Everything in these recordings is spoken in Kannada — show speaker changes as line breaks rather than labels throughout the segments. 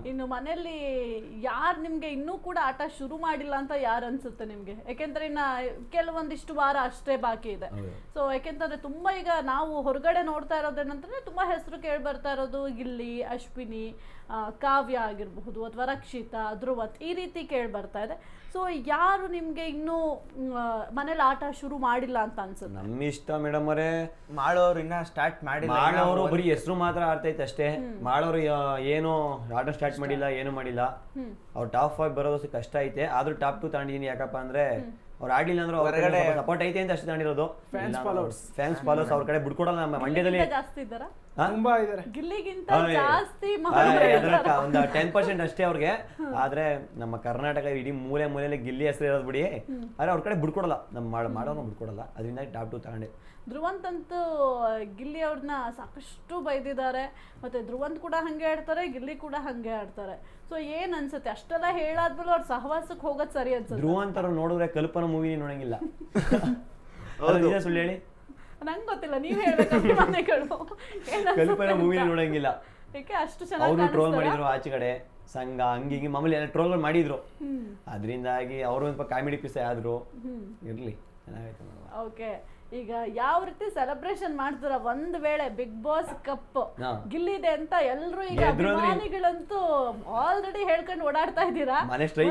ಇನ್ನು ಮನೆಯಲ್ಲಿ ಯಾರು ನಿಮ್ಗೆ ಇನ್ನೂ ಕೂಡ ಆಟ ಶುರು ಮಾಡಿಲ್ಲ ಅಂತ ಯಾರು ಅನ್ಸುತ್ತೆ ನಿಮ್ಗೆ? ಯಾಕೆಂದ್ರೆ ಇನ್ನ ಕೆಲವೊಂದಿಷ್ಟು ವಾರ ಅಷ್ಟೇ ಬಾಕಿ ಇದೆ. ಸೊ ಯಾಕೆಂತಂದ್ರೆ ತುಂಬಾ ಈಗ ನಾವು ಹೊರಗಡೆ ನೋಡ್ತಾ ಇರೋದೇನಂತಂದ್ರೆ ತುಂಬಾ ಹೆಸರು ಕೇಳಿ ಬರ್ತಾ ಇರೋದು ಗಿಲ್ಲಿ, ಅಶ್ವಿನಿ, ಕಾವ್ಯ ಆಗಿರಬಹುದು ಅಥವಾ ರಕ್ಷಿತಾ, ಧ್ರುವತ್ ಈ ರೀತಿ ಕೇಳಿ ಬರ್ತಾ ಇದೆ. ಸೊ ಯಾರು ನಿಮ್ಗೆ ಇನ್ನೂ ಮನೇಲಿ ಆಟ ಶುರು ಮಾಡಿಲ್ಲ ಅಂತ ಅನ್ಸುತ್ತೆ?
ನಮ್ಮ ಇಷ್ಟ ಮೇಡಮ್ ಅವರೇ,
ಮಾಡೋರು ಇನ್ನ ಸ್ಟಾರ್ಟ್ ಮಾಡಿಲ್ಲ.
ಮಾಡೋರು ಬರೀ ಹೆಸರು ಮಾತ್ರ ಆಡ್ತೈತೆ ಅಷ್ಟೇ. ಮಾಡೋರು ಏನು ಆಟ ಸ್ಟಾರ್ಟ್ ಮಾಡಿಲ್ಲ, ಏನು ಮಾಡಿಲ್ಲ. ಅವ್ರು ಟಾಪ್ 5 ಬರೋದು ಕಷ್ಟ ಐತೆ. ಆದ್ರೂ ಟಾಪ್ 2 ತಗೊಂಡಿದೀನಿ. ಯಾಕಪ್ಪ ಅಂದ್ರೆ ಅವ್ರು ಆಡ್ಲಿಲ್ಲ ಅಂದ್ರೆ ಹೊರಗಡೆ ಸಪೋರ್ಟ್ ಐತೆ ಅಂತ ಅಷ್ಟೇ ತಗೊಂಡಿರೋದು. ಫ್ಯಾನ್ಸ್ ಫಾಲೋವರ್ಸ್ ಅವ್ರ ಕಡೆ ಬಿಡ್ಕೊಡಲ್ಲ. ನಮ್ಮ ಮಂಡ್ಯದಲ್ಲಿ
ಜಾಸ್ತಿ ಇದ್ದಾರಾ?
ತುಂಬಾ ಇದಾರೆ.
ಗಿಲ್ಲಿಗಿಂತ ಜಾಸ್ತಿ
ಒಂದು 10% ಅಷ್ಟೇ ಅವ್ರಿಗೆ. ಆದ್ರೆ ನಮ್ಮ ಕರ್ನಾಟಕ ಇಡೀ ಮೂಲೆಯಲ್ಲಿ ಗಿಲ್ಲಿ ಹೆಸರು ಇರೋದು ಬಿಡಿ. ಆದ್ರೆ ಅವ್ರ ಕಡೆ ಬಿಡ್ಕೊಡಲ್ಲ, ನಮ್ಮ ಮಾಡೋನು ಬಿಡ್ಕೊಡಲ್ಲ. ಅದರಿಂದ ಟಾಪ್ 2 ತಗೊಂಡೆ.
ಧ್ರುವಂತ್ ಅಂತೂ ಗಿಲ್ಲಿ ಅವ್ರನ್ನ ಸಾಕಷ್ಟು ಬೈದಿದ್ದಾರೆ. ಮತ್ತೆ ಧ್ರುವಂತ್ ಕೂಡ ಹಂಗೆ ಆಡ್ತಾರೆ, ಗಿಲ್ಲಿ ಕೂಡ ಹಂಗೆ ಆಡ್ತಾರೆ. ಸೊ ಏನ್ ಅನ್ಸುತ್ತೆ ಅಷ್ಟೆಲ್ಲ ಹೇಳಾದ್ಮೇಲೆ ಅವ್ರ ಸಹವಾಸಕ್ಕೆ ಹೋಗೋದ್ ಸರಿ ಅನ್ಸುತ್ತೆ?
ಧ್ರುವಂತ್ ಅವ್ರು ನೋಡಿದ್ರೆ ಕಲ್ಪನಾ ಮೂವಿ ನೋಡಂಗಿಲ್ಲ. ಸುಳ್ಳು ಹೇಳಿ,
ನಂಗೆ ಗೊತ್ತಿಲ್ಲ, ನೀವ್ ಹೇಳ್ಬೇಕು. ಅಭಿಮಾನಿಗಳು
ಕಲ್ಪನಾ ಮೂವಿ ನೋಡಂಗಿಲ್ಲ.
ಯಾಕೆ ಅಷ್ಟು ಚೆನ್ನಾಗಿ
ಅವರು ಟ್ರೋಲ್ ಮಾಡಿದ್ರು ಆಚೆ ಕಡೆ ಸಂಘ ಹಂಗಿ ಮಾಮೂಲಿ ಎಲ್ಲ ಟ್ರೋಲ್ ಮಾಡಿದ್ರು. ಅದರಿಂದಾಗಿ ಅವರು ಸ್ವಲ್ಪ ಕಾಮಿಡಿ ಪೀಸ್ ಆದ್ರು. ಇರ್ಲಿ, ಚೆನ್ನಾಗಾಯ್ತು.
ಓಕೆ, ಈಗ ಯಾವ ರೀತಿ ಸೆಲೆಬ್ರೇಷನ್ ಮಾಡ್ತಾರ ಒಂದ್ ವೇಳೆ ಬಿಗ್ ಬಾಸ್ ಕಪ್ ಗಿಲ್ಲಿದೆ ಅಂತ ಎಲ್ರು ಈಗ ಅಭಿಮಾನಿಗಳಂತೂ ಆಲ್ರೆಡಿ ಹೇಳ್ಕೊಂಡು ಓಡಾಡ್ತಾ ಇದ್ದೀರಾ.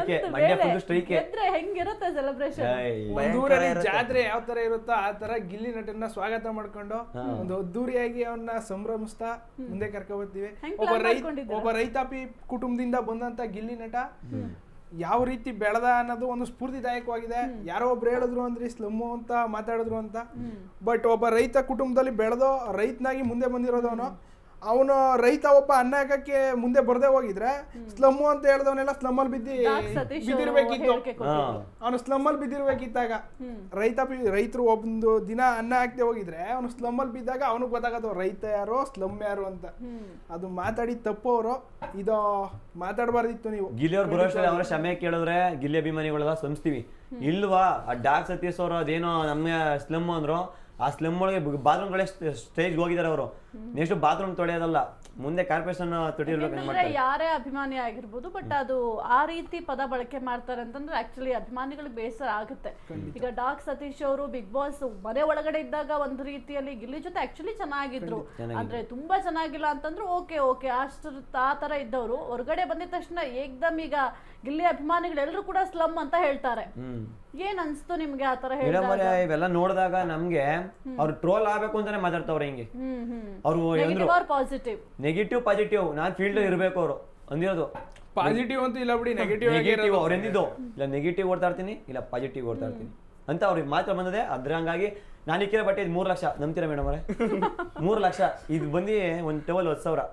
ಹೆಂಗಿರುತ್ತೆ ಸೆಲೆಬ್ರೇಷನ್?
ಒಂದೂರಲ್ಲಿ ಜಾತ್ರೆ ಯಾವ ತರ ಇರುತ್ತೋ ಆ ತರ ಗಿಲ್ಲಿ ನಟನ್ನ ಸ್ವಾಗತ ಮಾಡ್ಕೊಂಡು ಒಂದು ಅದ್ದೂರಿಯಾಗಿ ಅವನ್ನ ಸಂಭ್ರಮಿಸ್ತಾ ಮುಂದೆ ಕರ್ಕೊ ಬರ್ತೀವಿ. ಒಬ್ಬ ರೈತಾಪಿ ಕುಟುಂಬದಿಂದ ಬಂದಂತ ಗಿಲ್ಲಿ ನಟ ಯಾವ ರೀತಿ ಬೆಳೆದ ಅನ್ನೋದು ಒಂದು ಸ್ಫೂರ್ತಿದಾಯಕವಾಗಿದೆ. ಯಾರೋ ಒಬ್ರು ಹೇಳಿದ್ರು ಅಂದ್ರೆ ಸ್ಲಮ್ಮು ಅಂತ ಮಾತಾಡಿದ್ರು ಅಂತ. ಬಟ್ ಒಬ್ಬ ರೈತ ಕುಟುಂಬದಲ್ಲಿ ಬೆಳೆದೋ ರೈತನಾಗಿ ಮುಂದೆ ಬಂದಿರೋದವನು. ಅವನು ರೈತ ಒಬ್ಬ ಅನ್ನ ಹಾಕಕ್ಕೆ ಮುಂದೆ ಬರ್ದೇ ಹೋಗಿದ್ರೆ ಸ್ಲಮ್ಮು ಅಂತ ಹೇಳ್ದವನೆಲ್ಲ ಸ್ಲಮ್ಮಲ್ಲಿ ಬಿದ್ದಿರ್ಬೇಕಿತ್ತು. ಅವನು ಸ್ಲಮ್ಮಲ್ಲಿ ಬಿದ್ದಿರ್ಬೇಕಿತ್ತಾಗ. ರೈತರು ಒಂದು ದಿನ ಅನ್ನ ಹಾಕ್ದೆ ಹೋಗಿದ್ರೆ ಅವನು ಸ್ಲಮ್ಮಲ್ಲಿ ಬಿದ್ದಾಗ ಅವನಿಗೆ ಗೊತ್ತಾಗತ್ತವ ರೈತ ಯಾರೋ ಸ್ಲಮ್ ಯಾರು ಅಂತ. ಅದು ಮಾತಾಡಿ ತಪ್ಪು. ಅವರು ಇದು ಮಾತಾಡಬಾರ್ದಿತ್ತು. ನೀವು
ಗಿಲ್ಲಿ ಅವ್ರು ಬರೋಷ್ಟರಲ್ಲಿ ಅವರ ಕ್ಷಮೆ ಕೇಳಿದ್ರೆ ಗಿಲ್ಲಿ ಅಭಿಮಾನಿಗಳೆಲ್ಲ ಸಂಸ್ತೀವಿ. ಇಲ್ವಾ ಆ ಡಾಕ್ ಸತೀಶ್ ಅವರು ಅದೇನೋ ನಮ್ಮ ಸ್ಲಮ್ ಅಂದ್ರು. ಆ ಸ್ಲಮ್ ಒಳಗೆ ಬಾತ್ರೂಮ್ ಕಡೆ ಸ್ಟೇಜ್ಗೆ ಹೋಗಿದ್ದಾರೆ ಅವರು. ನೆಕ್ಸ್ಟ್ ಬಾತ್ರೂಮ್ ತೊಳೆಯೋದಲ್ಲ, ಮುಂದೆ ಕಾರ್ಪೊರೇಷನ್ ತೊಟ್ಟಿರ್ಬೇಕು.
ಯಾರೇ ಅಭಿಮಾನಿ ಆಗಿರ್ಬೋದು, ಬಟ್ ಅದು ಆ ರೀತಿ ಪದ ಬಳಕೆ ಮಾಡ್ತಾರೆ ಅಂತಂದ್ರೆ ಆಕ್ಚುಲಿ ಅಭಿಮಾನಿಗಳಿಗೆ ಬೇಸರ ಆಗುತ್ತೆ. ಈಗ ಡಾಕ್ ಸತೀಶ್ ಅವರು ಬಿಗ್ ಬಾಸ್ ಮನೆ ಒಳಗಡೆ ಇದ್ದಾಗ ಒಂದು ರೀತಿಯಲ್ಲಿ ಗಿಲ್ಲಿ ಜೊತೆ ಆಕ್ಚುಲಿ ಚೆನ್ನಾಗಿದ್ರು. ಅಂದ್ರೆ ತುಂಬಾ ಚೆನ್ನಾಗಿಲ್ಲ ಅಂತಂದ್ರೆ ಓಕೆ ಅಷ್ಟು ಆ ತರ ಇದ್ದವರು ಹೊರಗಡೆ ಬಂದಿದ ತಕ್ಷಣ ಏಕ್ದಮ್ ಈಗ ಗಿಲ್ಲಿ ಅಭಿಮಾನಿಗಳೆಲ್ಲರೂ ಕೂಡ ಸ್ಲಮ್ ಅಂತ ಹೇಳ್ತಾರೆ. ಏನ್ ಅನ್ಸ್ತು ನಿಮ್ಗೆ ಆ ತರ ಹೇಳಿದಾಗ?
ಇವೆಲ್ಲ ನೋಡಿದಾಗ ನಮ್ಗೆ ಅವ್ರು ಟ್ರೋಲ್ ಆಗ್ಬೇಕು ಅಂತಾನೆ ಮಾತಾಡ್ತಾವ್ರೆ. ಹಿಂಗೆ ಅವ್ರು ನೆಗೆಟಿವ್ ಪಾಸಿಟಿವ್ ನಾನ್ ಫೀಲ್ಡ್ ಇರ್ಬೇಕು ಅವರು ಅಂದಿರೋದು.
ಪಾಸಿಟಿವ್ ಅಂತೂ ಇಲ್ಲ ಬಿಡಿ, ನೆಗೆಟಿವ್
ಅವ್ರು ಎಂದಿದ್ದು ಇಲ್ಲ. ನೆಗೆಟಿವ್ ಓಡ್ತಾ ಇರ್ತೀನಿ, ಇಲ್ಲ ಪಾಸಿಟಿವ್ ಓಡ್ತಾ ಇರ್ತೀನಿ ಅಂತ ಅವ್ರಿಗೆ ಮಾತ್ರ ಬಂದದೆ. ಅದ್ರ ಹಂಗಾಗಿ ನಾನು ಇಕ್ಕಿರೋ ಬಟ್ಟೆ 3 ಲಕ್ಷ. ನಂಬ್ತೀರಾ ಮೇಡಮ್ ಅವರೇ? 3 ಲಕ್ಷ. ಇದು ಬಂದು ಒಂದು ಟವಲ್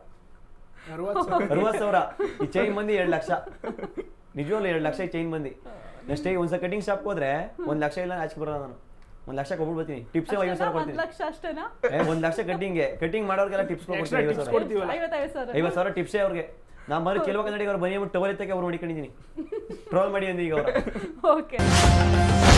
60,000. ಈ ಚೈನ್ ಬಂದು 2 ಲಕ್ಷ. ನಿಜವಾಗ್ಲೂ 2 ಲಕ್ಷ ಈ ಚೈನ್ ಬಂದು. ನೆಕ್ಸ್ಟ್ ಒಂದ್ಸಲ ಕಟಿಂಗ್ ಶಾಪ್ ಹೋದ್ರೆ 1 ಲಕ್ಷ ಇಲ್ಲ ಆಚೆ ಬರೋದು. ನಾನು 1 ಲಕ್ಷ ಕೊಟ್ಬಿಟ್ಟು ಬರ್ತೀನಿ. ಟಿಪ್ಸ್ 50,000 ಕೊಡ್ತೀನಿ. 1 ಲಕ್ಷ ಕಟಿಂಗ್ ಮಾಡೋರ್ಗೆಲ್ಲ ಟಿಪ್ಸ್ ಕೊಡ್ತೀನಿ. 50,000 ಟಿಪ್ಸೇ ಅವ್ರಿಗೆ. ನಾ ಬಂದು ಕೆಲವು ಕನ್ನಡಿಗರು ಬನ್ನಿ ಟವಲ್ ಎತ್ತಕ್ಕೆ ಅವ್ರು ನೋಡಿಕೊಂಡಿದ್ದೀನಿ. ಟ್ರೋಲ್ ಮಾಡಿ ಅಂದ ಈಗ ಅವ್ರು.